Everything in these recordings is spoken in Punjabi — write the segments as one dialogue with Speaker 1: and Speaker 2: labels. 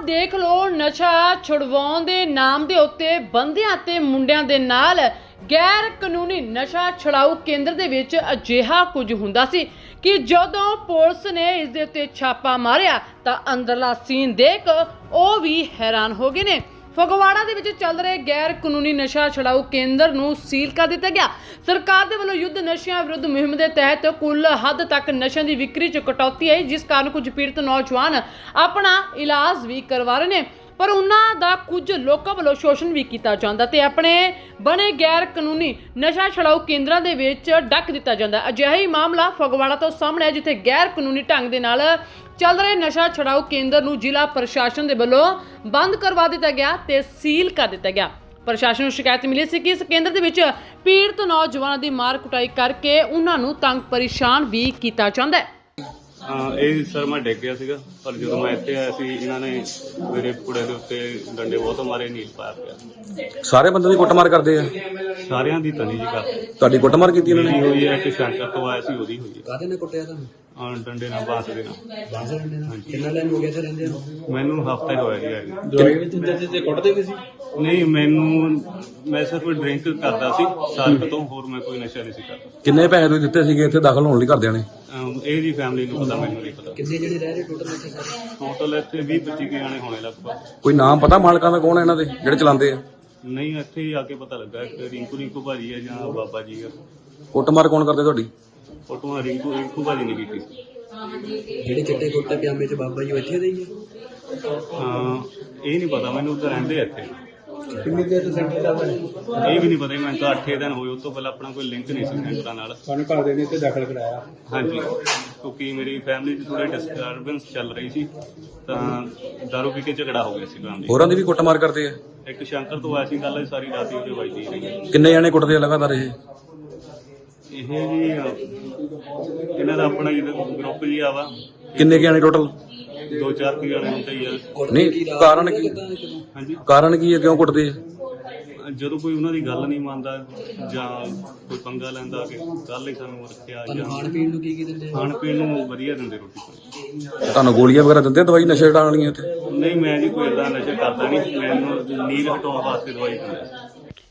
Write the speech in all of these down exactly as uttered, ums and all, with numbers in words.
Speaker 1: देख लो नशा छुड़वाउण दे नाम दे उत्ते बंदियां ते मुंडियां दे नाल गैर कानूनी नशा छुड़ाऊ केंद्र दे विच अजिहा कुछ हुंदा सी कि जदों पुलिस ने इस दे उत्ते छापा मारिया तां अंदरला सीन देख ओ भी हैरान हो गए ने। फगवाड़ा दे विच चल रहे गैर कानूनी नशा छुड़ाऊ केंद्र नूं सील कर दिता गया। सरकार दे वल्लों युद्ध नशियां विरुद्ध मुहिम दे तहत कुल हद तक नशियां दी विक्री च कटौती आई, जिस कारण कुछ पीड़ित नौजवान अपना इलाज भी करवा रहे हैं, पर उन्हां दा कुछ लोकां वल्लों शोषण भी किया जांदा ते अपने बने गैर कानूनी नशा छुड़ाऊ केंद्रां दे विच डक दिता जांदा। अजिहा ही मामला फगवाड़ा तो सामने है, जिथे गैर कानूनी ढंग दे नाल चल रहे नशा छुड़ाऊ केंद्र नूं जिला प्रशासन दे वल्लों बंद करवा दिता गया ते सील कर दिता गया। प्रशासन नूं शिकायत मिली सी कि इस केंद्र दे विच पीड़ित नौजवानों की मार कुटाई करके उन्हां नूं तंग परेशान भी किया जांदा है।
Speaker 2: हाँ ये सर मैं डिग गया सीगा, पर जो मैं इत्थे आया सी इन्हां ने मेरे कुड़े दे उत्ते डंडे बहुत मारे, नील पाया पिया।
Speaker 3: सारे बंदे दी कुੱਟਮਾਰ ਕਰਦੇ ਆ?
Speaker 2: सारियां दी तनी जी कर
Speaker 3: ਤੁਹਾਡੀ ਕੁੱਟਮਾਰ ਕੀਤੀ ਇਹਨਾਂ
Speaker 2: मेरी
Speaker 3: ਨੇ?
Speaker 2: हुई है कि शंकर तो आया सी ओदी हुई है।
Speaker 4: ਕਾਹਦੇ ਨੇ ਕੁੱਟਿਆ ਤੁਹਾਨੂੰ?
Speaker 2: हाँ डंडे नाल बांस दे नाल।
Speaker 4: ਬਾਂਸ ਡੰਡੇ ਨਾਲ? ਕਿੰਨਾ ਟਾਈਮ ਹੋ ਗਿਆ ਇੱਥੇ ਰਹਿੰਦੇ ਨੂੰ?
Speaker 2: मैनू हफ्ता ही होया जी आए
Speaker 4: ਦਵਾਈ ਵੀ ਦਿੰਦੇ ਸੀ ਤੇ ਕੁੱਟਦੇ ਵੀ ਸੀ?
Speaker 2: नहीं मैनू मैं सिर्फ ड्रिंक करदा सी साल तो, होर मैं कोई नशा नहीं सी करदा।
Speaker 3: ਕਿੰਨੇ ਪੈਸੇ ਤੁਸੀਂ ਦਿੱਤੇ ਸੀਗੇ ਇੱਥੇ ਦਾਖਲ ਹੋਣ ਲਈ ਘਰਦਿਆਂ ਨੇ?
Speaker 2: ਇਹ ਦੀ ਫੈਮਿਲੀ ਨੂੰ ਪਤਾ, ਮੈਨੂੰ ਨਹੀਂ ਪਤਾ।
Speaker 4: ਕਿੰਨੇ ਜਿਹੜੇ ਰਹਿ ਰਹੇ ਟੋਟਲ ਇੱਥੇ ਸਾਰੇ?
Speaker 2: ਟੋਟਲ ਇੱਥੇ ਵੀਹ ਪੱਚੀ ਕੁ ਜਾਣੇ ਹੋਣੇ ਲਗਭਗ।
Speaker 3: ਕੋਈ ਨਾਮ ਪਤਾ ਮਾਲਕਾਂ ਦਾ ਕੌਣ ਹੈ ਇਹਨਾਂ ਦੇ ਜਿਹੜੇ ਚਲਾਉਂਦੇ ਆ?
Speaker 2: ਨਹੀਂ ਇੱਥੇ ਹੀ ਆ ਕੇ ਪਤਾ ਲੱਗਾ ਇੱਕ ਰਿੰਕੂ ਰਿੰਕੂ ਭਾਜੀ ਹੈ ਜਾਂ ਬਾਬਾ ਜੀ ਆ।
Speaker 3: ਕੁੱਟਮਾਰ ਕੌਣ ਕਰਦੇ ਤੁਹਾਡੀ?
Speaker 2: ਫੋਟੋਆਂ ਰਿੰਕੂ ਰਿੰਕੂ ਭਾਜੀ ਨੇ ਕੀਤੀ।
Speaker 4: ਜਿਹੜੇ ਚਿੱਟੇ ਕੁੱਟੇ ਪਜਾਮੇ ਚ ਬਾਬਾ ਜੀ ਉਹ ਇੱਥੇ ਦੇ ਹੀ ਆ?
Speaker 2: ਹਾਂ ਇਹ ਨਹੀਂ ਪਤਾ ਮੈਨੂੰ, ਤਾਂ ਰਹਿੰਦੇ ਆ ਇੱਥੇ।
Speaker 4: ਕਿੰਨੀ ਦੇਰ ਤੋਂ ਸੈਂਟਰ ਚੱਲਦਾ ਹੈ?
Speaker 2: ਇਹ ਵੀ ਨਹੀਂ ਪਤਾ, ਮੈਨੂੰ ਤਾਂ ਅੱਠੇ ਦਿਨ ਹੋਏ, ਉਸ ਤੋਂ ਪਹਿਲਾਂ ਆਪਣਾ ਕੋਈ ਲਿੰਕ ਨਹੀਂ ਸੀ ਸੈਂਟਰਾਂ ਨਾਲ।
Speaker 4: ਸਾਨੂੰ ਘਰ ਦੇ ਨੇ ਇੱਥੇ ਦਾਖਲ ਕਰਾਇਆ?
Speaker 2: ਹਾਂਜੀ, ਕਿਉਂਕਿ ਮੇਰੀ ਫੈਮਿਲੀ 'ਚ ਥੋੜੀ ਡਿਸਟਰਬੈਂਸ ਚੱਲ ਰਹੀ ਸੀ, ਤਾਂ ਦਾਰੂ ਪੀ ਕੇ ਝਗੜਾ ਹੋ ਗਿਆ ਸੀ ਫੈਮਿਲੀ।
Speaker 3: ਹੋਰਾਂ ਦੀ ਵੀ ਕੁੱਟਮਾਰ ਕਰਦੇ ਆ?
Speaker 2: ਇੱਕ ਸ਼ੰਕਰ ਤੋਂ ਆਇਆ ਸੀ ਗੱਲ, ਸਾਰੀ ਰਾਤ ਉਹਦੇ ਵੱਜਦੀ ਰਹੀ।
Speaker 3: ਕਿੰਨੇ ਜਾਣੇ ਕੁੱਟਦੇ ਆ ਲਗਾਤਾਰ ਇਹ?
Speaker 2: ਇਹ ਜੀ ਇਹਨਾਂ ਦਾ ਆਪਣਾ ਜਿਹੜਾ ਗਰੁੱਪ ਜੀ ਆਵਾ,
Speaker 3: ਕਿੰਨੇ ਕੁ ਜਾਣੇ ਟੋਟਲ?
Speaker 2: ਦੋ ਚਾਰ ਕੁ ਜਾਣੇ ਹੁੰਦੇ ਹੀ ਆ।
Speaker 3: ਨਹੀਂ ਕਾਰਨ ਕੀ?
Speaker 2: ਹਾਂਜੀ,
Speaker 3: ਕਾਰਨ ਕੀ ਹੈ, ਕਿਉਂ ਕੁੱਟਦੇ ਆ?
Speaker 2: ਜਦੋਂ ਕੋਈ ਉਹਨਾਂ ਦੀ ਗੱਲ ਨਹੀਂ ਮੰਨਦਾ ਜਾਂ ਕੋਈ ਪੰਗਾ ਲੈਂਦਾ ਕਿ ਕੱਲ ਹੀ ਸਾਨੂੰ ਰੱਖਿਆ, ਜਾਂ
Speaker 4: ਖਾਣ ਪੀਣ ਨੂੰ ਕੀ ਕੀ ਦਿੰਦੇ?
Speaker 2: ਖਾਣ ਪੀਣ ਨੂੰ ਵਧੀਆ ਦਿੰਦੇ, ਰੋਟੀ ਪਾਣੀ।
Speaker 3: ਤੁਹਾਨੂੰ ਗੋਲੀਆਂ ਵਗੈਰਾ ਦਿੰਦੇ ਆ ਦਵਾਈ ਨਸ਼ੇ ਛਡਾਉਣ ਵਾਲੀਆਂ ਇੱਥੇ?
Speaker 2: ਨਹੀਂ ਮੈਂ ਜੀ ਕੋਈ ਏਦਾਂ ਨਸ਼ਾ ਕਰਦਾ ਨਹੀਂ, ਮੈਨੂੰ ਨੀਂਦ ਹਟਾਉਣ ਵਾਸਤੇ ਦਵਾਈ ਦਿੰਦੇ।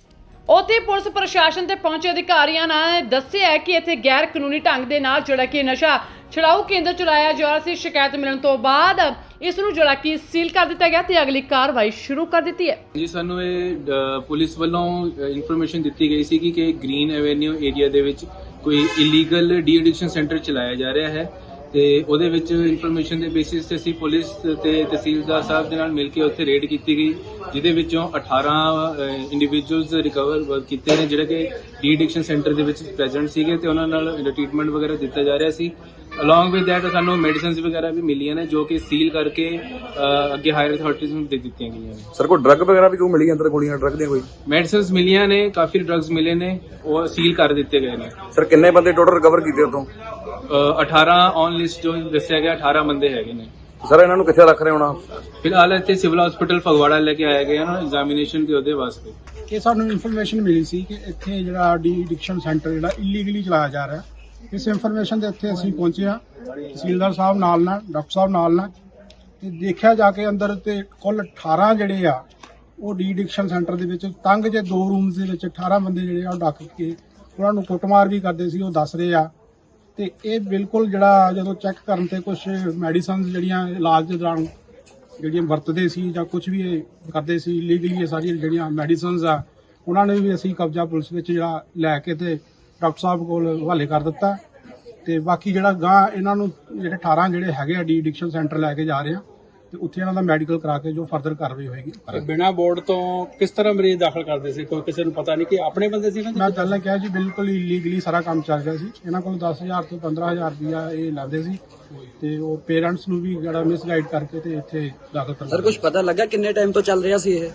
Speaker 1: ਉੱਥੇ ਪੁਲਿਸ ਪ੍ਰਸ਼ਾਸਨ ਤੇ ਪਹੁੰਚੇ ਅਧਿਕਾਰੀਆਂ ਨੇ ਦੱਸਿਆ ਕਿ ਇੱਥੇ ਗੈਰ ਕਾਨੂੰਨੀ ਢੰਗ ਦੇ ਨਾਲ ਜਿਹੜਾ ਕਿ ਨਸ਼ਾ ਛੁਡਾਊ ਕੇਂਦਰ ਚਲਾਇਆ ਜਾ ਰਿਹਾ ਸੀ। ਸ਼ਿਕਾਇਤ ਮਿਲਣ ਤੋਂ ਬਾਅਦ ਇਸ ਨੂੰ ਜਿਹੜਾ ਕਿ ਸੀਲ ਕਰ ਦਿੱਤਾ ਗਿਆ ਤੇ ਅਗਲੀ ਕਾਰਵਾਈ ਸ਼ੁਰੂ ਕਰ ਦਿੱਤੀ ਹੈ।
Speaker 5: ਜੀ ਸਾਨੂੰ ਇਹ ਅ, ਪੁਲਿਸ ਵੱਲੋਂ ਇਨਫੋਰਮੇਸ਼ਨ ਦਿੱਤੀ ਗਈ ਸੀ ਕਿ ਗ੍ਰੀਨ ਐਵੇਨਿਊ ਏਰੀਆ ਦੇ ਵਿੱਚ ਕੋਈ ਇਲੀਗਲ ਡੀ ਐਡਿਕਸ਼ਨ ਸੈਂਟਰ ਚਲਾਇਆ ਜਾ ਰਿਹਾ ਹੈ, ਤੇ ਉਹਦੇ ਵਿੱਚ ਇਨਫੋਰਮੇਸ਼ਨ ਦੇ ਬੇਸਿਸ ਤੇ ਅਸੀਂ ਪੁਲਿਸ ਤੇ ਤਹਿਸੀਲਦਾਰ ਸਾਹਿਬ ਦੇ ਨਾਲ ਮਿਲ ਕੇ ਉੱਥੇ ਰੇਡ ਕੀਤੀ ਗਈ, ਜਿਹਦੇ ਵਿੱਚੋਂ ਅਠਾਰਾਂ ਇੰਡੀਵਿਜੂਅਲਸ ਰਿਕਵਰ ਕੀਤੇ ਨੇ ਜਿਹੜੇ ਕਿ ਡੀ ਐਡਿਕਸ਼ਨ ਸੈਂਟਰ ਦੇ ਵਿੱਚ ਪ੍ਰੈਜ਼ੈਂਟ ਸੀਗੇ, ਤੇ ਉਹਨਾਂ ਨਾਲ ਟ੍ਰੀਟਮੈਂਟ ਵਗੈਰਾ ਦਿੱਤਾ ਜਾ ਰਿਹਾ ਸੀ। ਅਲੋਂਗ ਵਿਦ ਦੈਟ ਸਾਨੂੰ ਮੈਡੀਸਿਨਸ ਵਗੈਰਾ ਵੀ ਮਿਲੀਆਂ ਨੇ, ਜੋ ਕਿ ਸੀਲ ਕਰਕੇ ਅ, ਅੱਗੇ ਹਾਇਰ ਅਥਾਰਟੀਜ਼ ਨੂੰ ਦੇ ਦਿੱਤੀਆਂ ਗਈਆਂ ਨੇ।
Speaker 3: ਸਰ ਕੋਈ ਡਰੱਗ ਵਗੈਰਾ ਵੀ ਕੋਈ ਮਿਲੀ ਅੰਦਰ? ਗੋਲੀਆਂ ਡਰੱਗ ਦੀਆਂ ਕੋਈ?
Speaker 5: ਮੈਡੀਸਿਨਸ ਮਿਲੀਆਂ ਨੇ, ਕਾਫੀ ਡਰੱਗਸ ਮਿਲੇ ਨੇ, ਉਹ ਸੀਲ ਕਰ ਦਿੱਤੇ ਗਏ ਨੇ।
Speaker 3: ਸਰ ਕਿੰਨੇ ਬੰਦੇ ਟੋਟਲ ਰਿਕਵਰ ਕੀਤੇ ਉਤੋਂ?
Speaker 5: ਅਠਾਰਾਂ ਔਨ ਲਿਸਟ ਜੋ ਦੱਸਿਆ ਗਿਆ, ਅਠਾਰਾਂ ਬੰਦੇ ਹੈਗੇ ਨੇ।
Speaker 3: ਸਰ ਇਹਨਾਂ ਨੂੰ ਕਿੱਥੇ ਰੱਖ ਰਹੇ ਹੋਣਾ?
Speaker 5: ਫਿਲਹਾਲ ਇੱਥੇ ਸਿਵਲ ਹਸਪੀਟਲ ਫਗਵਾੜਾ ਲੈ ਕੇ ਆਏ ਗਏ ਹਨ ਐਗਜ਼ਾਮੀਨੇਸ਼ਨ ਦੇ ਉਹਦੇ ਵਾਸਤੇ।
Speaker 6: ਕਿ ਸਾਨੂੰ ਇਨਫੋਰਮੇਸ਼ਨ ਮਿਲੀ ਸੀ ਕਿ ਇੱਥੇ ਜਿਹੜਾ ਡੀ ਐਡਿਕਸ਼ਨ ਸੈਂਟਰ ਜਿਹੜਾ ਇਲੀਗਲੀ ਚਲਾਇਆ ਜਾ ਰਿਹਾ, ਇਸ ਇਨਫੋਰਮੇਸ਼ਨ ਦੇ ਇੱਥੇ ਅਸੀਂ ਪਹੁੰਚੇ ਹਾਂ, ਤਹਿਸੀਲਦਾਰ ਸਾਹਿਬ ਨਾਲ ਨਾਲ, ਡਾਕਟਰ ਸਾਹਿਬ ਨਾਲ ਨਾਲ, ਤੇ ਦੇਖਿਆ ਜਾ ਕੇ ਅੰਦਰ ਤੇ ਕੁੱਲ ਅਠਾਰਾਂ ਜਿਹੜੇ ਆ ਉਹ ਡੀ ਐਡਿਕਸ਼ਨ ਸੈਂਟਰ ਦੇ ਵਿੱਚ ਤੰਗ ਜੇ ਦੋ ਰੂਮਸ ਦੇ ਵਿੱਚ ਅਠਾਰਾਂ ਬੰਦੇ ਜਿਹੜੇ ਆ ਉਹ ਡੱਕ ਕੇ ਉਹਨਾਂ ਨੂੰ ਕੁੱਟਮਾਰ ਵੀ ਕਰਦੇ ਸੀ, ਉਹ ਦੱਸ ਰਹੇ ਆ। ਤੇ ਇਹ ਬਿਲਕੁਲ ਜਿਹੜਾ ਜਦੋਂ ਚੈੱਕ ਕਰਨ ਤੇ ਕੁਝ ਮੈਡੀਸਨਸ ਜਿਹੜੀਆਂ ਇਲਾਜ ਦੇ ਦੌਰਾਨ ਜਿਹੜੀਆਂ ਵਰਤਦੇ ਸੀ ਜਾਂ ਕੁਝ ਵੀ ਇਹ ਕਰਦੇ ਸੀ ਲੀਗਲੀ, ਇਹ ਸਾਰੀਆਂ ਜਿਹੜੀਆਂ ਮੈਡੀਸਨਸ ਆ ਉਹਨਾਂ ਨੇ ਵੀ ਅਸੀਂ ਕਬਜ਼ਾ ਪੁਲਿਸ ਵਿੱਚ ਜਿਹੜਾ ਲੈ ਕੇ ਤੇ ਡਾਕਟਰ ਸਾਹਿਬ ਕੋਲ ਹਵਾਲੇ ਕਰ ਦਿੱਤਾ। ਤੇ ਬਾਕੀ ਜਿਹੜਾ ਗਾਂ ਇਹਨਾਂ ਨੂੰ ਜਿਹੜੇ ਅਠਾਰਾਂ ਜਿਹੜੇ ਹੈਗੇ ਆ ਡੀ ਐਡਿਕਸ਼ਨ ਸੈਂਟਰ ਲੈ ਕੇ ਜਾ ਰਹੇ ਆ, ਤੇ ਉੱਥੇ ਇਹਨਾਂ ਦਾ ਮੈਡੀਕਲ ਕਰਾ ਕੇ ਜੋ ਫਰਦਰ ਕਾਰਵਾਈ ਹੋਏਗੀ।
Speaker 7: ਬਿਨਾਂ ਬੋਰਡ ਤੋਂ ਕਿਸ ਤਰ੍ਹਾਂ ਮਰੀਜ਼ ਦਾਖਲ ਕਰਦੇ ਸੀ? ਕੋਈ ਕਿਸੇ ਨੂੰ ਪਤਾ ਨਹੀਂ ਕਿ ਆਪਣੇ ਬੰਦੇ ਸੀ?
Speaker 6: ਮੈਂ ਪਹਿਲਾਂ ਕਿਹਾ ਜੀ ਬਿਲਕੁਲ ਇਲੀਗਲੀ ਸਾਰਾ ਕੰਮ ਚੱਲ ਰਿਹਾ ਸੀ। ਇਹਨਾਂ ਕੋਲ ਦਸ ਹਜ਼ਾਰ ਤੋਂ ਪੰਦਰਾਂ ਹਜ਼ਾਰ ਰੁਪਇਆ ਇਹ ਲੈਂਦੇ ਸੀ, ਤੇ ਉਹ ਪੇਰੈਂਟਸ ਨੂੰ ਵੀ ਜਿਹੜਾ ਮਿਸਗਾਈਡ ਕਰਕੇ ਤੇ ਇੱਥੇ ਦਾਖਲ ਕਰਵਾ।
Speaker 4: ਸਰ ਕੁਝ ਪਤਾ ਲੱਗਾ ਕਿੰਨੇ ਟਾਈਮ ਤੋਂ ਚੱਲ ਰਿਹਾ ਸੀ ਇਹ?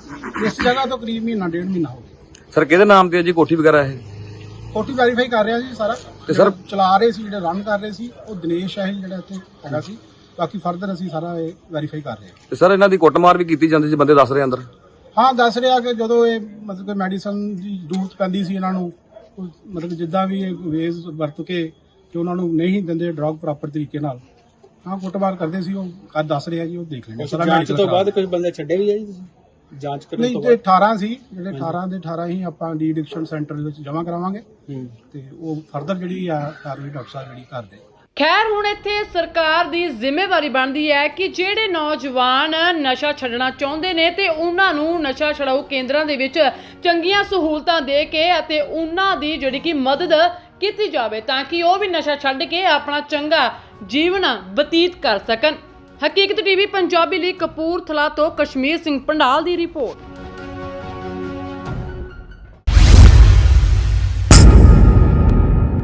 Speaker 6: ਇਸ ਜਗ੍ਹਾ ਤੋਂ ਕਰੀਬ ਮਹੀਨਾ ਡੇਢ ਮਹੀਨਾ ਹੋ ਗਿਆ।
Speaker 3: ਸਰ ਕਿਹਦੇ ਨਾਮ ਤੇ ਹੈ ਜੀ ਕੋਠੀ ਵਗੈਰਾ ਇਹ?
Speaker 6: ਕੋਠੀ ਵੈਰੀਫਾਈ ਕਰ ਰਿਹਾ ਜੀ ਸਾਰਾ।
Speaker 3: ਤੇ ਸਰ
Speaker 6: ਚਲਾ ਰਹੇ ਸੀ, ਜਿਹੜੇ ਰਨ ਕਰ ਰਹੇ ਸੀ ਉਹ ਦਿਨੇਸ਼ ਹੈ ਜਿਹੜਾ ਇੱਥੇ ਹੈਗਾ ਸੀ। ਬਾਕੀ ਫਰਦਰ ਅਸੀਂ ਸਾਰਾ ਇਹ ਵੈਰੀਫਾਈ ਕਰ ਰਹੇ ਹਾਂ।
Speaker 3: ਤੇ ਸਰ ਇਹਨਾਂ ਦੀ ਕੁੱਟਮਾਰ ਵੀ ਕੀਤੀ ਜਾਂਦੀ ਸੀ, ਬੰਦੇ ਦੱਸ ਰਹੇ ਅੰਦਰ?
Speaker 6: ਹਾਂ ਦੱਸ ਰਿਹਾ ਕਿ ਜਦੋਂ ਇਹ ਮਤਲਬ ਕਿ ਮੈਡੀਸਨ ਦੀ ਜ਼ਰੂਰਤ ਪੈਂਦੀ ਸੀ ਇਹਨਾਂ ਨੂੰ, ਮਤਲਬ ਜਿੱਦਾਂ ਵੀ ਇਹ ਵੇਜ਼ ਵਰਤ ਕੇ ਕਿ ਉਹਨਾਂ ਨੂੰ ਨਹੀਂ ਦਿੰਦੇ ਡਰਗ ਪ੍ਰੋਪਰ ਤਰੀਕੇ ਨਾਲ, ਹਾਂ ਕੁੱਟਮਾਰ ਕਰਦੇ ਸੀ ਉਹ ਕੱਦ ਦੱਸ ਰਿਹਾ ਜੀ, ਉਹ ਦੇਖ ਲੈਣਾ
Speaker 7: ਉਸ ਜਾਂਚ ਤੋਂ ਬਾਅਦ ਕੁਝ ਬੰਦੇ ਛੱਡੇ ਵੀ ਆ ਜੀ ਤੁਸੀਂ ਜਾਂਚ ਕਰਨ
Speaker 6: ਨਹੀਂ
Speaker 7: ਤੋਂ
Speaker 6: ਤੇ
Speaker 7: ਬਾਅਦ?
Speaker 6: ਅਠਾਰਾਂ ਸੀ ਜਿਹੜੇ ਅਠਾਰਾਂ ਦੇ ਅਠਾਰਾਂ ਹੀ ਆਪਾਂ ਡੀ ਐਡਿਕਸ਼ਨ ਸੈਂਟਰ ਦੇ ਵਿੱਚ ਜਮ੍ਹਾਂ ਕਰਾਵਾਂਗੇ
Speaker 7: ਹੂੰ
Speaker 6: ਤੇ ਉਹ ਫਰਦਰ ਜਿਹੜੀ ਆ ਕਾਰਵਾਈ ਡਾਕਟਰ ਸਾਹਿਬ ਜਿਹੜੀ ਕਰਦੇ।
Speaker 1: ਖੈਰ ਹੁਣ ਇੱਥੇ ਸਰਕਾਰ ਦੀ ਜ਼ਿੰਮੇਵਾਰੀ ਬਣਦੀ ਹੈ ਕਿ ਜਿਹੜੇ ਨੌਜਵਾਨ ਨਸ਼ਾ ਛੱਡਣਾ ਚਾਹੁੰਦੇ ਨੇ ਤੇ ਉਹਨਾਂ ਨੂੰ ਨਸ਼ਾ ਛਡਾਊ ਕੇਂਦਰਾਂ ਦੇ ਵਿੱਚ ਚੰਗੀਆਂ ਸਹੂਲਤਾਂ ਦੇ ਕੇ ਅਤੇ ਉਹਨਾਂ ਦੀ ਜਿਹੜੀ ਕਿ ਮਦਦ ਕੀਤੀ ਜਾਵੇ ਤਾਂ ਕਿ ਉਹ ਵੀ ਨਸ਼ਾ ਛੱਡ ਕੇ ਆਪਣਾ ਚੰਗਾ ਜੀਵਨ ਬਤੀਤ ਕਰ ਸਕਣ। ਹਕੀਕਤ ਟੀਵੀ ਪੰਜਾਬੀ ਲਈ ਕਪੂਰਥਲਾ ਤੋਂ ਕਸ਼ਮੀਰ ਸਿੰਘ ਪੰਡਾਲ ਦੀ ਰਿਪੋਰਟ।